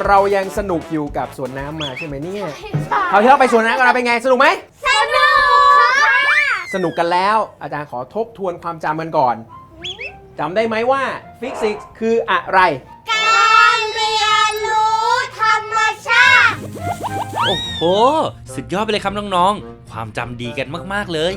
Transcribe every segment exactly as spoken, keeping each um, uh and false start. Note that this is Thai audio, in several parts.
เรายังสนุกอยู่กับสวนน้ำมาใช่ไหมเนี่ยคราวที่เราไปสวนน้ำกันเราเป็นไงสนุกไหมสนุกค่ะสนุกกันแล้วอาจารย์ขอทบทวนความจำกันก่อนจำได้ไหมว่าฟิสิกส์คืออะไรการเรียนรู้ธรรมชาติโอ้โหสุดยอดไปเลยครับน้องๆความจำดีกันมากๆเลย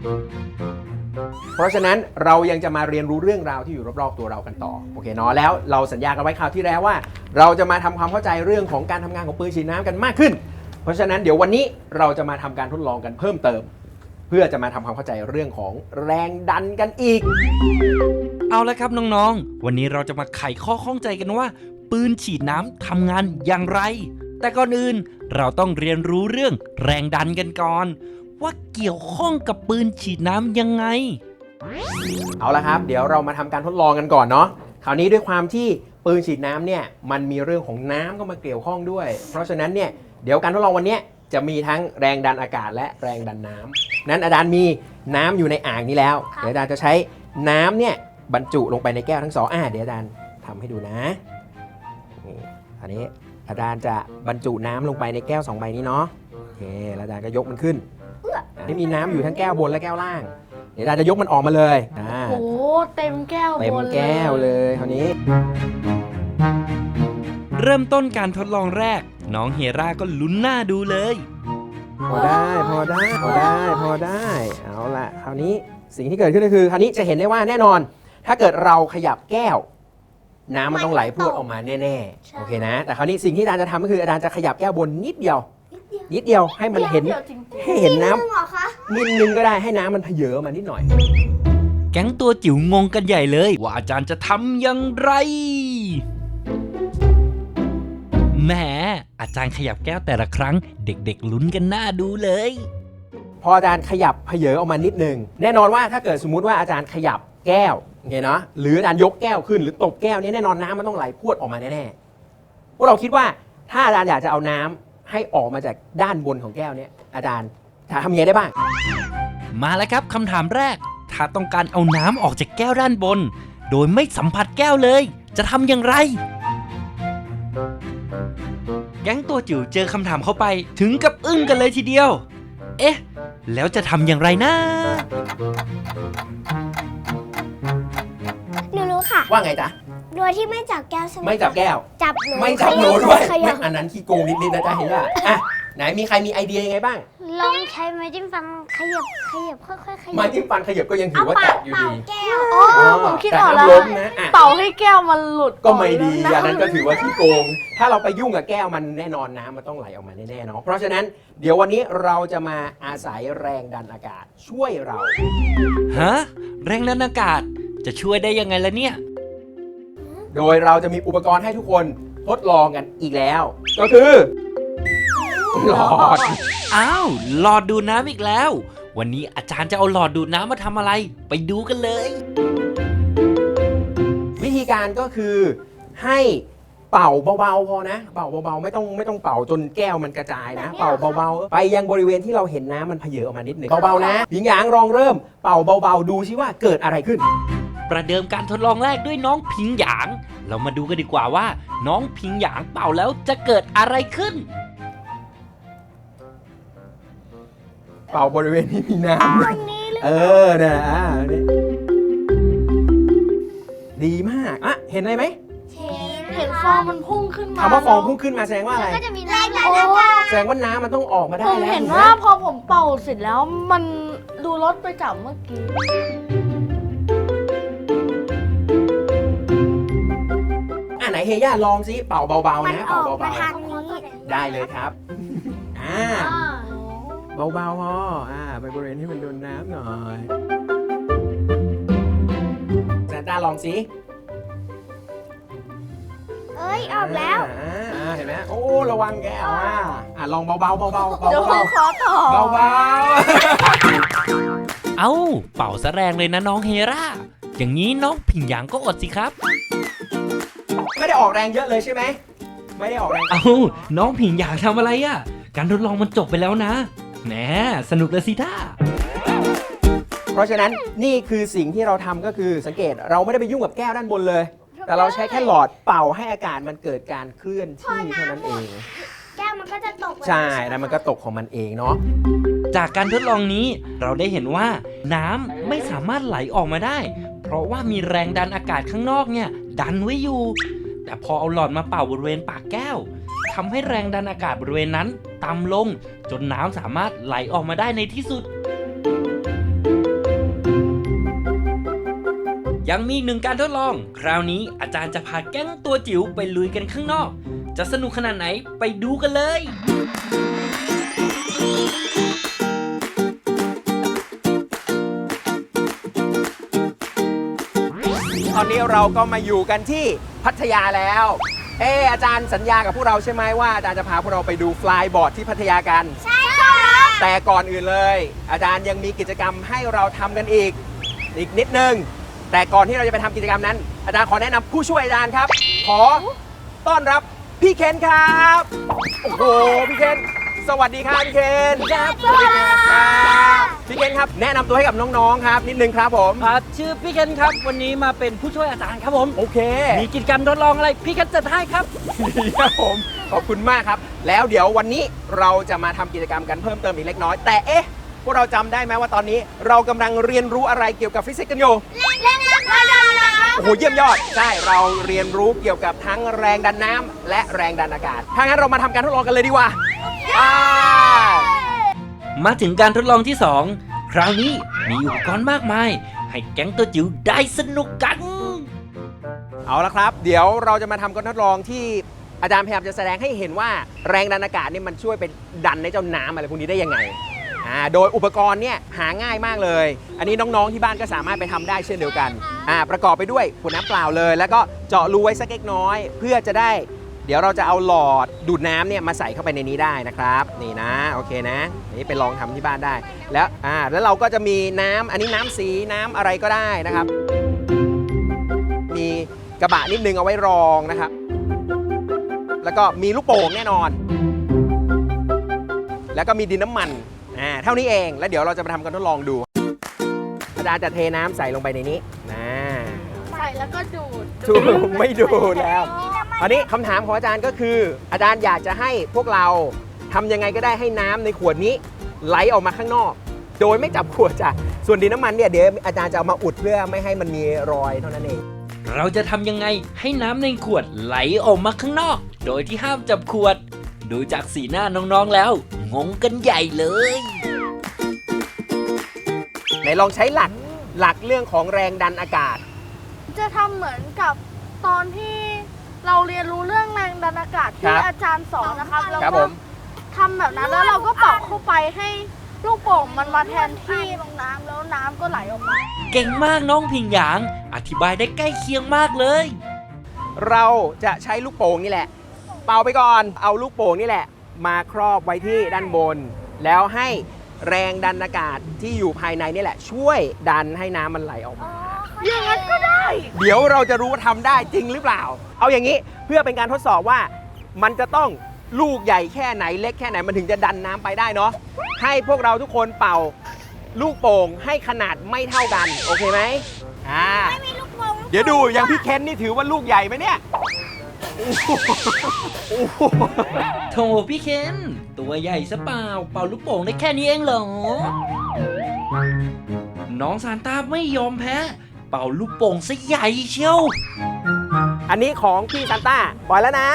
เพราะฉะนั้นเรายังจะมาเรียนรู้เรื่องราวที่อยู่รอบๆตัวเรากันต่อโอเคเนาะแล้วเราสัญญากันไว้คราวที่แล้วว่าเราจะมาทำความเข้าใจเรื่องของการทำงานของปืนฉีดน้ำกันมากขึ้นเพราะฉะนั้นเดี๋ยววันนี้เราจะมาทำการทดลองกันเพิ่มเติมเพื่อจะมาทำความเข้าใจเรื่องของแรงดันกันอีกเอาละครับน้องๆวันนี้เราจะมาไขข้อข้องใจกันว่าปืนฉีดน้ำทำงานอย่างไรแต่ก่อนอื่นเราต้องเรียนรู้เรื่องแรงดันกันก่อนว่าเกี่ยวข้องกับปืนฉีดน้ำยังไงเอาละครับเดี๋ยวเรามาทำการทดลองกันก่อนเนาะคราวนี้ด้วยความที่ปืนฉีดน้ำเนี่ยมันมีเรื่องของน้ำเข้ามาเกี่ยวข้องด้วยเพราะฉะนั้นเนี่ยเดี๋ยวการทดลองวันนี้จะมีทั้งแรงดันอากาศและแรงดันน้ำนั้นอาจารย์มีน้ำอยู่ในอ่างนี้แล้วเดี๋ยวอาจารย์จะใช้น้ำเนี่ยบรรจุลงไปในแก้วทั้งสองอ่าเดี๋ยวอาจารย์ทำให้ดูนะนี่อันนี้อาจารย์จะบรรจุน้ำลงไปในแก้วสองใบนี้เนาะโอเคแล้วอาจารย์ก็ยกมันขึ้นนี่มีน้ำอยู่ทั้งแก้วบนและแก้วล่างเดี๋ยวอาจารย์จะยกมันออกมาเลยโอ้เต็มแก้วเต็มแก้วเลยคราวนี้เริ่มต้นการทดลองแรกน้องเฮราก็ลุ้นหน้าดูเลยพอได้พอได้พอได้พอได้เอาละคราวนี้สิ่งที่เกิดขึ้นก็คือคราวนี้จะเห็นได้ว่าแน่นอนถ้าเกิดเราขยับแก้วน้ำมันต้องไหลพรวดออกมาแน่ๆโอเคนะแต่คราวนี้สิ่งที่อาจารย์จะทำก็คืออาจารย์จะขยับแก้วบนนิดเดียวนิดเดียวให้มันเห็นให้เห็นน้ำนิดนึงก็ได้ให้น้ำมันเพเยอมานิดหน่อยแก๊งตัวจิ๋วงงกันใหญ่เลยว่าอาจารย์จะทำอย่างไรแหมอาจารย์ขยับแก้วแต่ละครั้งเด็กๆลุ้นกันหน้าดูเลยพออาจารย์ขยับเพเยอออกมานิดนึงแน่นอนว่าถ้าเกิดสมมุติว่าอาจารย์ขยับแก้วเห็นเนาะหรืออาจารย์ยกแก้วขึ้นหรือตบแก้วนี้แน่นอนน้ำมันต้องไหลพรวดออกมาแน่ๆพวกเราคิดว่าถ้าอาจารย์อยากจะเอาน้ำให้ออกมาจากด้านบนของแก้วนี้อาจารย์จะทำยังไงได้บ้างมาแล้วครับคำถามแรกถ้าต้องการเอาน้ำออกจากแก้วด้านบนโดยไม่สัมผัสแก้วเลยจะทำอย่างไรแก๊งตัวจิ๋วเจอคำถามเข้าไปถึงกับอึ้งกันเลยทีเดียวเอ๊ะแล้วจะทำอย่างไรนะหนูรู้ค่ะว่าไงจ๊ะโดยที่ไม่จับแก้วใช่ไหมไม่จับแก้วจับหนูไม่จับหนูด้วยอันนั้นขี้โกงนิดๆนะจ๊ะเห็นป่ะอ่ะไหนมีใครมีไอเดียยังไงบ้างลองใช้ไม้จิ้มฟันขยับขยับค่อยๆขยับไม้จิ้มฟันขยับก็ยังถือว่าจับอยู่ดีแก้วอ๋อผมคิดออกแล้วเป่าให้แก้วมันหลุดก็ไม่ดีอันนั้นก็ถือว่าขี้โกงถ้าเราไปยุ่งกับแก้วมันแน่นอนน้ำมันต้องไหลออกมาแน่ๆเนาะเพราะฉะนั้นเดี๋ยววันนี้เราจะมาอาศัยแรงดันอากาศช่วยเราฮะแรงดันอากาศจะช่วยได้ยังไงล่ะเนี่ยโดยเราจะมีอุปกรณ์ให้ทุกคนทดลองกันอีกแล้วก็คือหลอดอ้าวหลอดดูดน้ำอีกแล้ววันนี้อาจารย์จะเอาหลอดดูดน้ำมาทำอะไรไปดูกันเลยวิธีการก็คือให้เป่าเบาๆพอนะเป่าเบาๆไม่ต้องไม่ต้องเป่าจนแก้วมันกระจายนะเป่าเบาๆไปยังบริเวณที่เราเห็นน้ำมันเพเยอออกมานิดหนึ่งเบาๆนะหญิงหยางลองเริ่มเป่าเบาๆดูซิว่าเกิดอะไรขึ้นประเดิมการทดลองแรกด้วยน้องพิงหยางเรามาดูกันดีกว่าว่าน้องพิงหยางเป่าแล้วจะเกิดอะไรขึ้นเป่าบริเวณที่มีน้ำเออนะอ่านี่ดีมากอ่ะเห็นอะไรไหมเห็นฟองมันพุ่งขึ้นมาคำว่าฟองพุ่งขึ้นมาแสดงว่าอะไรแสดงว่าน้ำมันต้องออกมาได้แล้วผมเห็นว่าพอผมเป่าเสร็จแล้วมันดูลดไปจากเมื่อกี้อ่ะไหนเฮย่าลองซิเป่าเบาๆนะเป่าเบาๆได้เลยครับอ่าเบาๆพออ่าไปบริเวณที่มันโดนน้ำหน่อยแซนต้าลองสิเอ้ยออกแล้วอ่าเห็นไหมโอ้ระวังแก้วอ่ะอ่ะลองเบาๆเบาๆเบาๆเดี๋ยวผมขอต่อเบาๆเอ้าเป่าซะแรงเลยนะน้องเฮราอย่างนี้น้องผิงหยางก็อดสิครับไม่ได้ออกแรงเยอะเลยใช่ไหมไม่ได้ออกแรงเอ้าน้องผิงหยางทำอะไรอ่ะการทดลองมันจบไปแล้วนะแหมสนุกเลยสิท่าเพราะฉะนั้นนี่คือสิ่งที่เราทำก็คือสังเกตเราไม่ได้ไปยุ่งกับแก้วด้านบนเลยแต่เราใช้แค่หลอดเป่าให้อากาศมันเกิดการเคลื่อนที่เท่านั้นเองแก้วมันก็จะตกใช่แล้วมันก็ตกของมันเองเนาะจากการทดลองนี้เราได้เห็นว่าน้ำไม่สามารถไหลออกมาได้ เพราะว่ามีแรงดันอากาศข้างนอกเนี่ยดันไว้อยู่ แต่พอเอาหลอดมาเป่าบริเวณปากแก้วทำให้แรงดันอากาศบริเวณนั้นต่ำลงจนน้ำสามารถไหลออกมาได้ในที่สุด ยังมีหนึ่งการทดลอง คราวนี้อาจารย์จะพาแก๊งตัวจิ๋วไปลุยกันข้างนอก จะสนุกขนาดไหนไปดูกันเลยตอนนี้เราก็มาอยู่กันที่พัทยาแล้ว เอออาจารย์สัญญากับพวกเราใช่ไหมว่าอาจารย์จะพาพวกเราไปดูฟลายบอร์ดที่พัทยากันใช่ครับแต่ก่อนอื่นเลย อาจารย์ยังมีกิจกรรมให้เราทำกันอีก อีกนิดนึง แต่ก่อนที่เราจะไปทำกิจกรรมนั้น อาจารย์ขอแนะนำผู้ช่วยอาจารย์ครับ ขอต้อนรับพี่เคนครับ โอ้โหพี่เคนสวัสดีครับพี่เคนครับสวัสดีครับพี่เคนครับแนะนำตัวให้กับน้องๆครับนิดนึงครับผมครับชื่อพี่เคนครับวันนี้มาเป็นผู้ช่วยอาจารย์ครับผมโอเคมีกิจกรรมทดลองอะไรพี่เคนจัดให้ครับดีครับผมขอบคุณมากครับ แล้วเดี๋ยววันนี้เราจะมาทำกิจกรรมกันเพิ่มเติมอีกเล็กน้อย แต่เอ๊ะพวกเราจำได้ไหมว่าตอนนี้เรากำลังเรียนรู้อะไรเกี่ยวกับฟิสิกส์กันอยู่เล่นน้ำกระโดดน้ำโอ้โหเยี่ยมยอดใช่เราเรียนรู้เกี่ยวกับทั้งแรงดันน้ำและแรงดันอากาศถ้างั้นเรามาทำการทดลองกันเลยดีกว่าไปมาถึงการทดลองที่สองคราวนี้มีอุปกรณ์มากมาย ให้แก๊งตัวจิ๋วได้สนุกกันเอาละครับ เดี๋ยวเราจะมาทำการทดลองที่อาจารย์พยายามจะแสดงให้เห็นว่าแรงดันอากาศนี่มันช่วยเป็นดันในเจ้าน้ำอะไรพวกนี้ได้ยังไงอ่าโดยอุปกรณ์เนี่ยหาง่ายมากเลย อันนี้น้องๆที่บ้านก็สามารถไปทำได้เช่นเดียวกันอ่าประกอบไปด้วยขวดน้ำเปล่าเลย แล้วก็เจาะรูไว้สักเล็กน้อย เพื่อจะได้ เดี๋ยวเราจะเอาหลอดดูดน้ำเนี่ยมาใส่เข้าไปในนี้ได้นะครับนี่นะโอเคนะนี่ไปลองทำที่บ้านได้ แล้วอ่าแล้วเราก็จะมีน้ำอันนี้น้ำสีน้ำอะไรก็ได้นะครับ มีกระบะนิดนึงเอาไว้รองนะครับ แล้วก็มีลูกโป่งแน่นอน แล้วก็มีดินน้ำมันอ่าเท่านี้เองแล้วเดี๋ยวเราจะมาทำการทดลองดูอาจารย์จะเทน้ำใส่ลงไปในนี้นะใส่แล้วก็ดูดถูกไม่ดูแล้วอันนี้คำถามของอาจารย์ก็คือ อาจารย์อยากจะให้พวกเราทำยังไงก็ได้ให้น้ำในขวดนี้ไหลออกมาข้างนอก โดยไม่จับขวดจ้ะส่วนดินน้ำมันเนี่ยเดี๋ยวอาจารย์จะเอามาอุดเพื่อไม่ให้มันมีรอยเท่านั้นเองเราจะทำยังไงให้น้ำในขวดไหลออกมาข้างนอก โดยที่ห้ามจับขวด ดูจากสีหน้าน้องๆแล้ว งงกันใหญ่เลยไหนลองใช้หลักหลักเรื่องของแรงดันอากาศจะทำเหมือนกับตอนที่เราเรียนรู้เรื่องแรงดันอากาศครัที่บอาจารย์สอนนะครับแล้วครับก็ผมทำแบบนั้นแล้วเราก็เป่าเข้าไปให้ลูกโป่งมันมาแทนที่ลงน้ำแล้วน้ำก็ไหลออกมาเก่งมากน้องพิงหยาง อธิบายได้ใกล้เคียงมากเลยเราจะใช้ลูกโป่งนี่แหละ เป่าไปก่อนเอาลูกโป่งนี่แหละ มาครอบไว้ที่ด้านบน แล้วให้แรงดันอากาศที่อยู่ภายในนี่แหละ ช่วยดันให้น้ำมันไหลออกมาอย่างนั้นก็ได้เดี๋ยวเราจะรู้ว่าทำได้จริงหรือเปล่า เอาอย่างนี้เพื่อเป็นการทดสอบว่ามันจะต้องลูกใหญ่แค่ไหนเล็กแค่ไหนมันถึงจะดันน้ำไปได้เนาะให้พวกเราทุกคนเป่าลูกโป่งให้ขนาดไม่เท่ากันโอเคไหมอ่ามีลูกโป่งเดี๋ยวดูอย่างพี่เคนนี่ถือว่าลูกใหญ่ไหมเนี่ยโอ้โหโอ้โหโถพี่เคนตัวใหญ่ซะเปล่า เป่าลูกโป่งได้แค่นี้เองเหรอ น้องซานต้าไม่ยอมแพ้ เป่าลูกโป่งซะใหญ่เชียวอันนี้ของพี่ซานต้าปล่อยแล้วนะ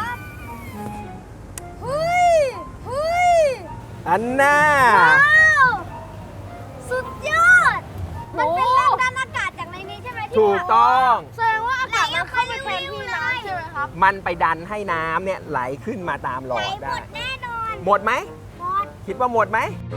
เฮ้ยเฮ้ยอันน่าว้าวสุดยอด มันเป็นแรงดันอากาศจากในนี้ใช่ไหมที่ถูกต้องแสดงว่าอากาศมันเข้าไปแทนที่น้ำใช่ไหมครับมันไปดันให้น้ำเนี่ยไหลขึ้นมาตามหลไหลอดหมได้ดแน่นอนหมดไหมหมดคิดว่าหมดไหม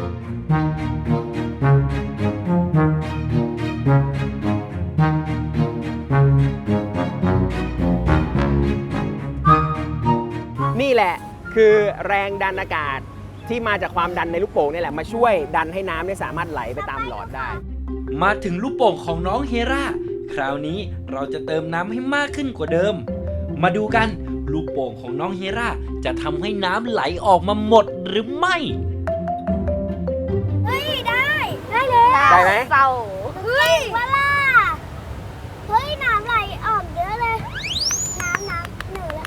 นี่แหละคือแรงดันอากาศที่มาจากความดันในลูกโป่งนี่แหละมาช่วยดันให้น้ำเนี่ยสามารถไหลไปตามหลอดได้มาถึงลูกโป่งของน้องเฮราคราวนี้เราจะเติมน้ำให้มากขึ้นกว่าเดิม มาดูกันลูกโป่งของน้องเฮราจะทำให้น้ำไหลออกมาหมดหรือไม่เฮ้ย ได้ ได้เลยได้ไหมเศร้าเฮ้ยเวลาเฮ้ย น้ำไหลออกเยอะเลย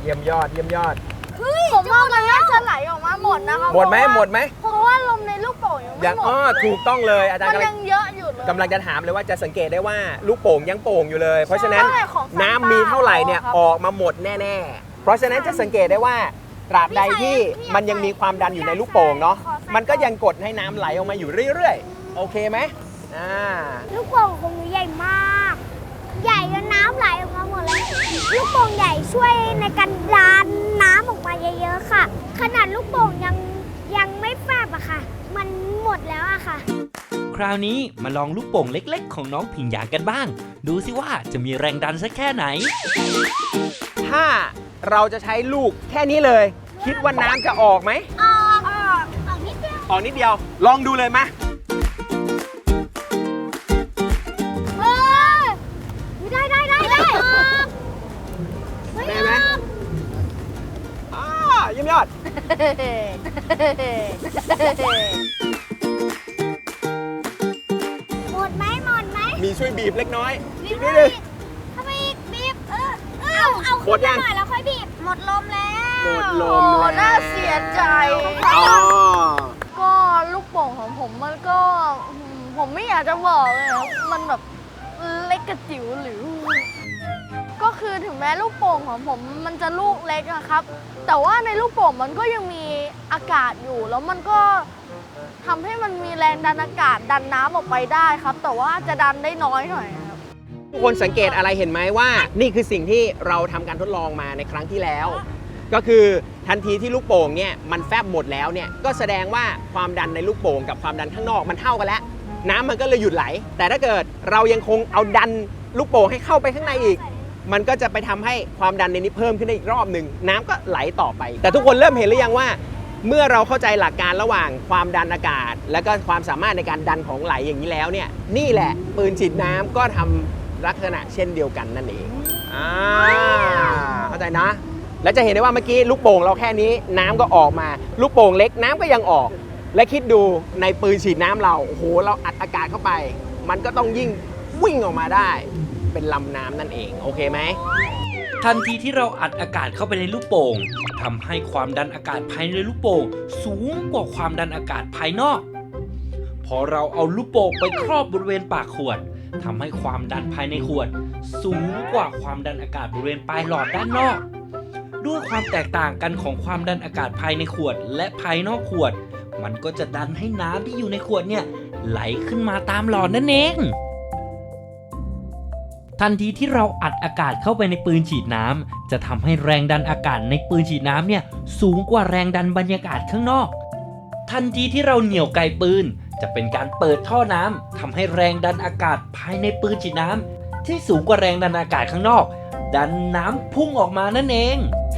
ยี่ยมยอดเยี่ยมยอดผมว่ามันน่าจะไหลออกมาหมดนะครับหมดไหมเพราะว่าหมดไหมเพราะว่าลมในลูกโป่งยังไม่ยังหมดอ๋อถูกต้องเลยอาจารย์มันกำลัยัง งเยอะอยู่เลยกำลังจะถามเลยว่าจะสังเกตได้ว่าลูกโป่งยังโป่งอยู่เลย เพราะฉะนั้นใช่ของน้ำมีเท่าไหร่เนี่ยครับออกมาหมดแน่ๆ เพราะฉะนั้นจะสังเกตได้ว่าตราบใดที่มันยังมีความดันอยู่ในลูกโป่งเนาะมันก็ยังกดให้น้ำไหลออกมาอยู่เรื่อยๆโอเคไหมอ่าลูกโป่งของหนูใหญ่มาก ใหญ่จนน้ำไหลออกมาหมดเลย ลูกโป่งใหญ่ช่วยในการดันน้ำออกมาเยอะๆค่ะ ขนาดลูกโป่งยังยังไม่แฟบอะค่ะ มันหมดแล้วอะค่ะคราวนี้มาลองลูกโป่งเล็กๆ ของน้องผิงหยากันบ้าง ดูสิว่าจะมีแรงดันสักแค่ไหนถ้าเราจะใช้ลูกแค่นี้เลย คิดว่าน้ำจะออกไหมออกออกออกนิดเดียวออกนิดเดียวลองดูเลยมาเออได้ได้ได้ได้ออกไม่ได้อไหมอกอ่าเยี่ยมยอดหมดไหมหมดไหมมีช่วยบีบเล็กน้อยบีอีบกนิดเลนึยงทำไมอีกบีบเออเออเอาเอาหมดยังขึ้นมาหน่อยแล้วค่อยบีบ หมดลมแล้วหมดลโอ้มแล้วน่าเสียใจอ๋อก็ลูกโป่งของผมมันก็อืมผมไม่อยากจะบอกเลยครับมันแบบเล็กกระจิ๋วหรือ ก็คือถึงแม้ลูกโป่งของผมมันจะลูกเล็กอะครับ แต่ว่าในลูกโป่งมันก็ยังมีอากาศอยู่ แล้วมันก็ทำให้มันมีแรงดันอากาศดันน้ำออกไปได้ครับ แต่ว่าจะดันได้น้อยหน่อยครับทุกคนสังเกตอะไรเห็นไหมว่านี่คือสิ่งที่เราทำการทดลองมาในครั้งที่แล้ว ก็คือทันทีที่ลูกโป่งเนี่ยมันแฟบหมดแล้วเนี่ยก็แสดงว่าความดันในลูกโป่งกับความดันข้างนอกมันเท่ากันแล้ว น้ำมันก็เลยหยุดไหล แต่ถ้าเกิดเรายังคงเอาดันลูกโป่งให้เข้าไปข้างในอีก มันก็จะไปทำให้ความดันในนี้เพิ่มขึ้นได้อีกรอบหนึ่งน้ำก็ไหลต่อไป แต่ทุกคนเริ่มเห็นหรือยังว่า เมื่อเราเข้าใจหลักการระหว่างความดันอากาศ และก็ความสามารถในการดันของไหลอย่างนี้แล้วเนี่ยนี่แหละปืนฉีดน้ำก็ทำลักษณะเช่นเดียวกันนั่นเองอ่าเข้าใจนะ แล้วจะเห็นได้ว่าเมื่อกี้ลูกโป่งเราแค่นี้น้ำก็ออกมา ลูกโป่งเล็กน้ำก็ยังออก และคิดดูในปืนฉีดน้ำเราโอ้โหเราอัดอากาศเข้าไป มันก็ต้องยิ่งวิ่งออกมาได้ เป็นลำน้ำนั่นเองโอเคไหมทันทีที่เราอัดอากาศเข้าไปในลูกโป่งทำให้ความดันอากาศภายในลูกโป่งสูงกว่าความดันอากาศภายนอก พอเราเอาลูกโป่งไปครอบบริเวณปากขวดทำให้ความดันภายในขวด สูงกว่าความดันอากาศบริเวณปลายหลอดด้านนอก ด้วยความแตกต่างกันของความดันอากาศภายในขวดและภายนอกขวด มันก็จะดันให้น้ำที่อยู่ในขวดเนี่ยไหลขึ้นมาตามหลอดนั่นเอง ทันทีที่เราอัดอากาศเข้าไปในปืนฉีดน้ำจะทำให้แรงดันอากาศในปืนฉีดน้ำเนี่ยสูงกว่าแรงดันบรรยากาศข้างนอก ทันทีที่เราเหนี่ยวไกปืนจะเป็นการเปิดท่อน้ำทำให้แรงดันอากาศภายในปืนฉีดน้ำที่สูงกว่าแรงดันอากาศข้างนอก ดันน้ำพุ่งออกมานั่นเอง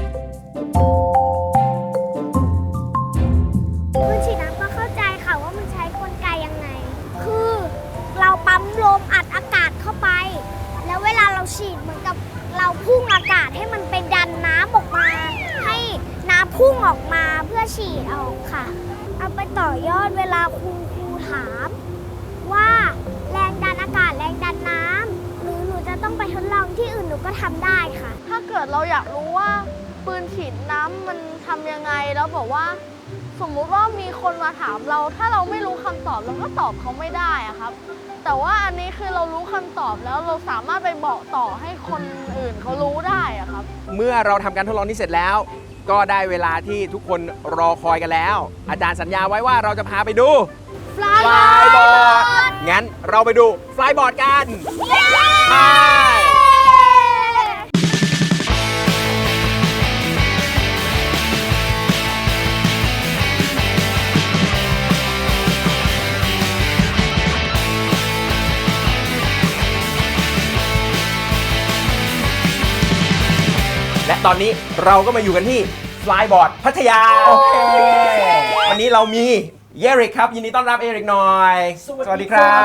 ปืนฉีดน้ำก็เข้าใจค่ะว่ามันใช้กลไกยังไง คือเราปั๊มลมอัดอากาศเข้าไป แล้วเวลาเราฉีดเหมือนกับเราพุ่งอากาศให้มันไปดันน้ำออกมา ให้น้ำพุ่งออกมาเพื่อฉีดออกค่ะ เอาไปต่อยอดเวลาครูครูถาม ว่าแรงดันอากาศแรงดันน้ำหรือหนูจะต้องไปทดลองที่อื่นหนูก็ทำได้ค่ะถ้าเกิดเราอยากรู้ว่าปืนฉีดน้ำมันทำยังไงแล้วบอกว่า สมมุติว่ามีคนมาถามเรา ถ้าเราไม่รู้คำตอบเราก็ตอบเขาไม่ได้อะครับ แต่ว่าอันนี้คือเรารู้คำตอบแล้วเราสามารถไปบอกต่อให้คนอื่นเขารู้ได้อะครับเมื่อเราทำการทดลองนี้เสร็จแล้ว ก็ได้เวลาที่ทุกคนรอคอยกันแล้ว อาจารย์สัญญาไว้ว่าเราจะพาไปดู Flyboard งั้นเราไปดู Flyboard กันไปและตอนนี้เราก็มาอยู่กันที่ Flyboard พัทยาโอเควันนี้เรามีเอริกครับยินดีต้อนรับเอริกหน่อยสวัสดีครับ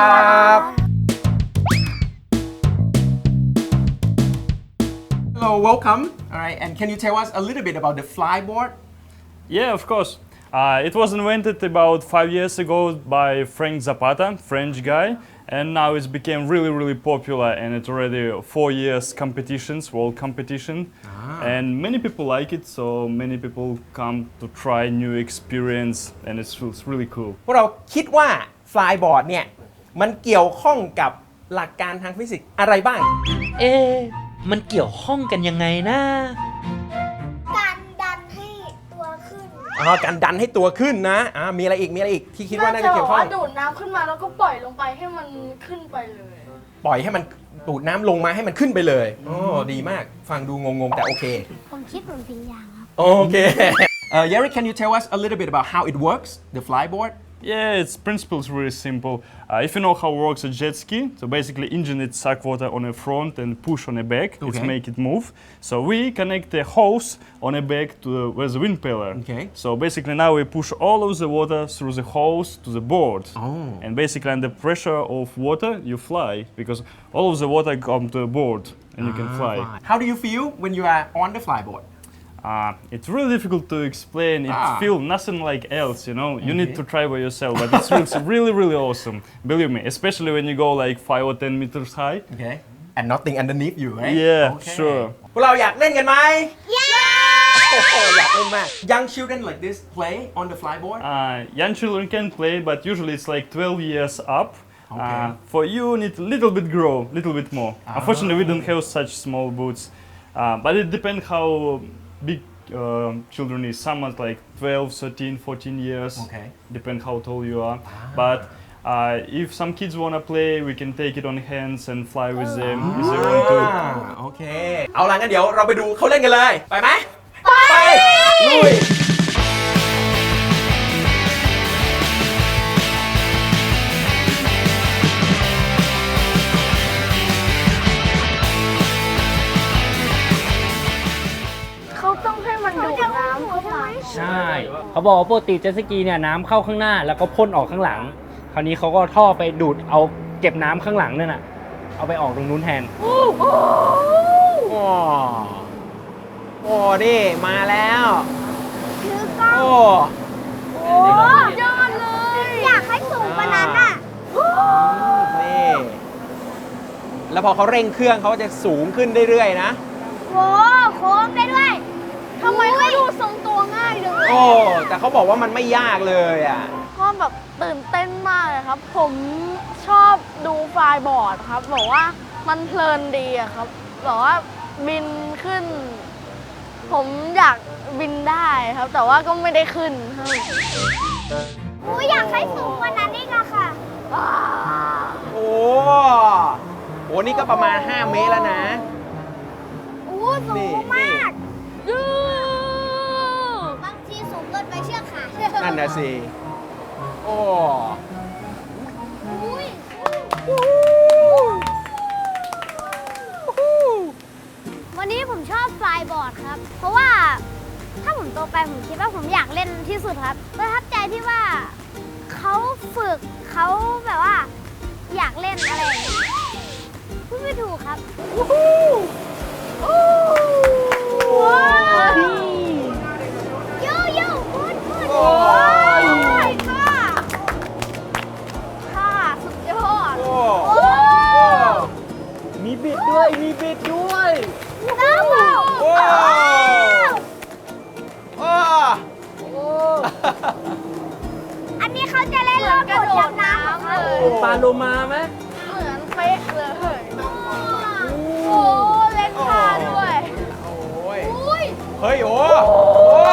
Hello welcome all right and can you tell us a little bit about the Flyboard Yeah, of course. Uh, it was invented about five years ago by Frank Zapata, French guy, and now it's became really really popular, and it's already four years competitions, world competition, and many people like it, so many people come to try new experience, and it's, it's really cool. พวกเราคิดว่าฟลายบอร์ดเนี่ยมันเกี่ยวข้องกับหลักการทางฟิสิกส์อะไรบ้างเอ๊ะมันเกี่ยวข้องกันยังไงนะการดันให้ตัวขึ้นอ๋อการดันให้ตัวขึ้นนะอ่ามีอะไรอีกมีอะไรอีกที่คิดว่าน่าจะเกี่ยวข้องน่าจะบอกว่าดูดน้ำขึ้นมาแล้วก็ปล่อยลงไปให้มันขึ้นไปเลยปล่อยให้มันดูดน้ำลงมาให้มันขึ้นไปเลยโอ้ดีมากฟังดูงงๆแต่โอเคผมคิดเหมือนพิงยางครับโอเค uh, Yeri, can you tell us a little bit about how it works the flyboard Yeah, its principle is really simple. Uh, if you know how works a jet ski, so basically engine it suck water on the front and push on the back, Okay. it make it move. So we connect the hose on the back to the, where's the wind pillar. Okay. So basically now we push all of the water through the hose to the board. Oh. And basically under pressure of water you fly because all of the water come to the board and you can fly. How do you feel when you are on the flyboard Uh, it's really difficult to explain. It Ah. feels nothing like else, you know. You Okay. need to try by yourself, but it's really, really, really awesome. Believe me, especially when you go like five or ten meters high. okay and nothing underneath you right Yeah, okay. sure. พวกเราอยากเล่นกันไหมโอ้โหอยากเล่นมาก Young children like this play on the flyboard Uh, young children can play, but usually it's like twelve years up. Okay. Uh, for you, need a little bit grow, little bit more. Unfortunately, we don't have such small boots, uh, but it depends how big uh, children is. Some are like twelve, thirteen, fourteen years. Okay. Depend how tall you are. But uh, if some kids wanna play, we can take it on hands and fly with them if they want to. อ่าโอเค เอาล่ะงั้นเดี๋ยวเราไปดูเขาเล่นกันเลย ไปไหม ไป ลุยเขาต้องให้มันดูดน้ำเข้ามาใช่ เขาบอกว่าปกติเจ็ตสกีเนี่ยน้ำเข้าข้างหน้าแล้วก็พ่นออกข้างหลัง คราวนี้เขาก็ท่อไปดูดเอาเก็บน้ำข้างหลังนั่นน่ะ เอาไปออกตรงนู้นแทนโอ้โอ้นี่มาแล้วถือกล้องโอ้โอ้ยอดเลย อยากให้สูงกว่านั้นอ่ะนี่ แล้วพอเขาเร่งเครื่องเขาจะสูงขึ้นเรื่อยๆนะโหโค้งได้ด้วยทำไมเขาดูทรงตัวง่ายจังเลยโอ้ แต่เขาบอกว่ามันไม่ยากเลยอ่ะก็แบบตื่นเต้นมากเลยครับ ผมชอบดูฟลายบอร์ดครับบอกว่ามันเพลินดีอะครับบอกว่าบินขึ้น ผมอยากบินได้ครับ แต่ว่าก็ไม่ได้ขึ้นครับหนูอยากให้สูงกว่านั้นอีกอะค่ะโอ้โห นี่ก็ประมาณ ห้า เมตรแล้วนะโอ้สูนี่งมากยูบางทีสูงเกินไปเชือกขาดนั่นนะสิ โอ้อุ้ยวันนี้ผมชอบฟลายบอร์ดครับ เพราะว่าถ้าผมโตไปผมคิดว่าผมอยากเล่นที่สุดครับประทับใจที่ว่าเขาฝึกเขาแบบว่า อยากเล่นอะไรอย่างเงี้ยพูดไม่ถูกครับว้าวโยโย่พูดพูดโอ้ยค่ะค่ะสุดยอดโอ้โอ้มีบิดด้วย มีบิดด้วยน้ำมันโอ้โอ้อันนี้เขาจะเล่นรอบกดยับน้ำของเขาปลาโลมาไหมเหมือนเป๊ะเลย โอ้เล่นท่าด้วยโอ้ยอุ้ยเฮ้ย โอ้โอ้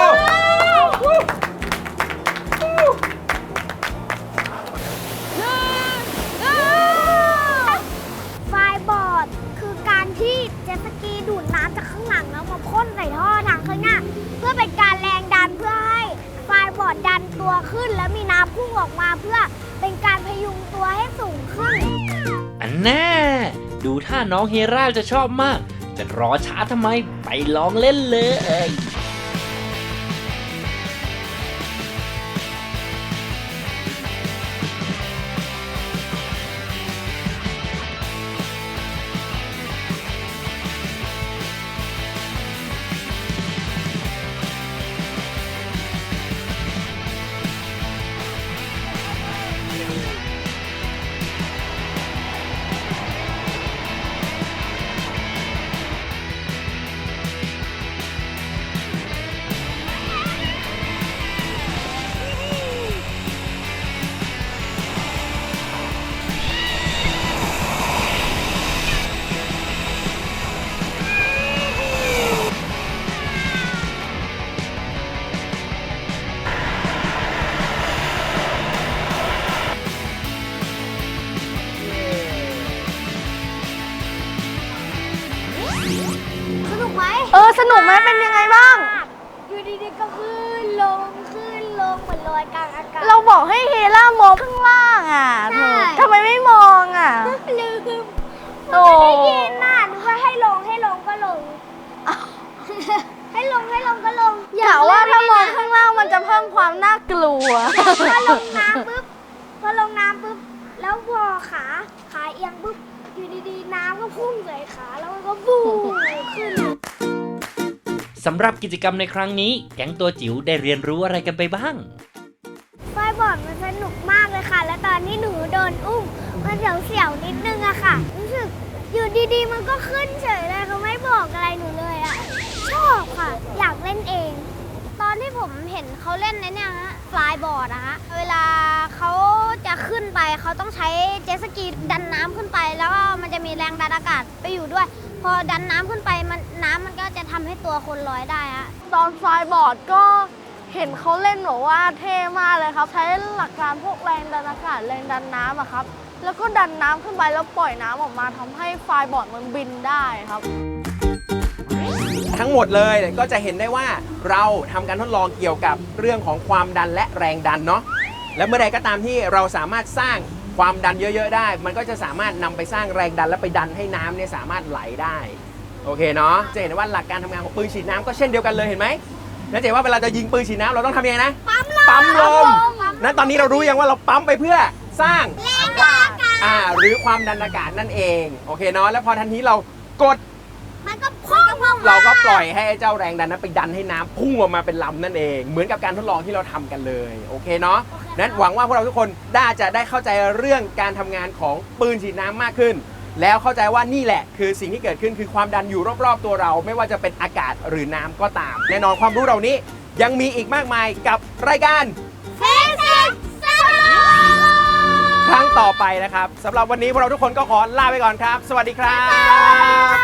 ไฟบอร์ดคือการที่เจ็ตสกีดูดน้ำจากข้างหลังแล้วมาพ่นใส่ท่อทางข้างหน้า เพื่อเป็นการแรงดันเพื่อให้ไฟบอร์ดดันตัวขึ้น แล้วมีน้ำพุ่งออกมาเพื่อเป็นการพยุงตัวให้สูงขึ้นอันแน่ ดูท่าน้องเฮราจะชอบมาก จะรอช้าทำไม ไปลองเล่นเลยสนุกไหมเออ สนุกไหมเป็นยังไงบ้างอยู่ดีๆก็ขึ้นลงขึ้นลงเหมือนลอยกลางอากาศเราบอกให้เฮล่ามองข้างล่างอ่ะใช่ทำไมไม่มองอ่ะลืมโอ้ไม่ได้ยินน่ะนึกว่าให้ลงให้ลงก็ลง ให้ลงให้ลงก็ลงอย่าว่าถ้ามองข้างล่างมันจะเพิ่มความน่ากลัวพอลงน้ำปุ๊บพอลงน้ำปุ๊บแล้วพอขาขาเอียงปุ๊บอยู่ดีๆน้ำก็พุ่งใส่ขาแล้วมันก็ฟูขึ้นสำหรับกิจกรรมในครั้งนี้ แก๊งตัวจิ๋วได้เรียนรู้อะไรกันไปบ้างไฟบอร์ดมันสนุกมากเลยค่ะ และตอนที่หนูโดนอุ้มมันเสียวๆนิดนึงอะค่ะ รู้สึกอยู่ดีๆ มันก็ขึ้นเฉยเลยเขาไม่บอกอะไรหนูเลยอะชอบค่ะ อยากเล่นเอง ตอนที่ผมเห็นเขาเล่นในเนี่ยฮะฟลายบอร์ดอะฮะเวลาเขาจะขึ้นไปเขาต้องใช้เจ็ตสกีดันน้ำขึ้นไป แล้วก็มันจะมีแรงดันอากาศไปอยู่ด้วย พอดันน้ำขึ้นไปมันน้ำมันก็จะทำให้ตัวคนลอยได้ฮะตอนฟลายบอร์ดก็เห็นเขาเล่นบอกว่าเท่มากเลยครับ ใช้หลักการพวกแรงดันอากาศแรงดันน้ำอะครับ แล้วก็ดันน้ำขึ้นไปแล้วปล่อยน้ำออกมาทำให้ฟลายบอร์ดมันบินได้ครับทั้งหมดเลยก็จะเห็นได้ว่าเราทำการทดลองเกี่ยวกับเรื่องของความดันและแรงดันเนาะและเมื่อใดก็ตามที่เราสามารถสร้างความดันเยอะๆได้ มันก็จะสามารถนำไปสร้างแรงดันและไปดันให้น้ำเนี่ยสามารถไหลได้โอเคเนาะจะเห็นได้ว่าหลักการทำงานของปืนฉีดน้ำก็เช่นเดียวกันเลยเห็นไหมนั่นจะเห็นว่าเวลาจะยิงปืนฉีดน้ำเราต้องทำยังไงนะปั๊มลมปั๊มลมนั้นตอนนี้เรารู้ยังว่าเราปั๊มไปเพื่อสร้างแรงดันอากาศอ่าหรือความดันอากาศนั่นเองโอเคเนาะแล้วพอทันทีเรากดมันก็พุ่งออกมาเราก็ปล่อยให้ไอ้เจ้าแรงดันนั้นไปดันให้น้ำพุ่งออกมาเป็นลำนั่นเองเหมือนกับการทดลองที่เราทำกันเลยโอเคเนาะนั้นหวังว่าพวกเราทุกคนน่าจะได้เข้าใจเรื่องการทำงานของปืนฉีดน้ำมากขึ้น แล้วเข้าใจว่านี่แหละคือสิ่งที่เกิดขึ้นคือความดันอยู่รอบๆตัวเรา ไม่ว่าจะเป็นอากาศหรือน้ำก็ตามแน่นอนความรู้เหล่านี้ยังมีอีกมากมายกับรายการฟิสิกส์สนุกครั้งต่อไปนะครับสำหรับวันนี้พวกเราทุกคนก็ขอลาไปก่อนครับ สวัสดีครับบ๊ายบาย